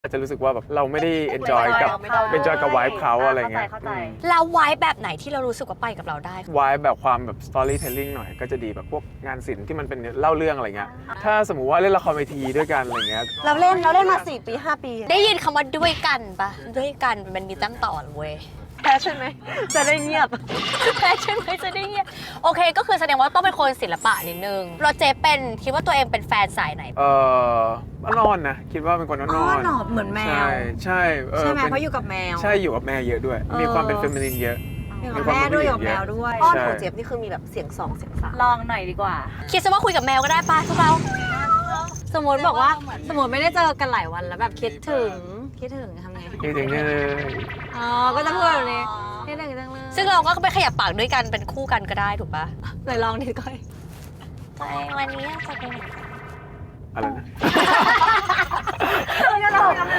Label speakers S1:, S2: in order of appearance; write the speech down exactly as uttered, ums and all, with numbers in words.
S1: จะรู้สึกว่าแบบเราไม่ได้ enjoy กับ enjoy กับ vibe เขาอะไรเงี้ย
S2: แล้วไว้แบบไหนที่เรารู้สึกว่าไปกับเราได้
S1: vibe แบบความแบบ storytelling หน่อยก็จะดีแบบพวกงานศิลป์ที่มันเป็นเล่าเรื่องอะไรเงี้ยถ้าสมมุติว่าเล่นละครเวทีด้วยกันอะไรเงี้ย
S3: เราเล่นเราเล่นมาสี่ปีห้าปี
S2: ได้ยินคำว่าด้วยกันปะด้วยกันมันมีตั้งต่อเว้ย
S3: แพ้ใช่ไหมจะได้เงียบ
S2: แฟชั่นไม่จะได้เงี้ยโอเคก็คือแสดงว่าต้องเป็นคนศิลปะนิดนึงเราเจเป็นคิดว่าตัวเองเป็นแฟนสายไหน
S1: เออนอนนะคิดว่าเป็นคนนอน
S3: อ๋อหนอบเหมือนแมว
S1: ใช่ใช่เออ
S3: ใช่ไหม
S1: ป็น
S3: เพราะอยู่กับแมว
S1: ใช่อยู่กับแม่เยอะด้วย
S3: เออ
S1: มีความเป็นเฟมินินเยอะ
S3: อยู่กับแม่ด้วยอยู่กับแมวด้วย
S1: อ้อนของ
S3: เจี๊ยบนี่คือมีแบบเสียงสองเสียงสาม
S4: ลองหน่อยดีกว่า
S2: คิดซะว่าคุยกับแมวก็ได้ปะพวกเรา
S4: สมมติบอกว่าสมมติไม่ได้เจอกันหลายวันแล้วแบบคิดถึงคิดถึงทำไง
S1: จริงๆเนี่ย
S4: อ๋อก็จะพูดแบบนี้คิดถึงจังเลย
S2: ซึ่งเราก็ไปขยับปากด้วยกันเป็นคู่กันก็ได้ถูกปะ
S4: เลยลองดิก้อย
S2: ตัวเองวันนี้จะเป็น
S1: อะไรนะ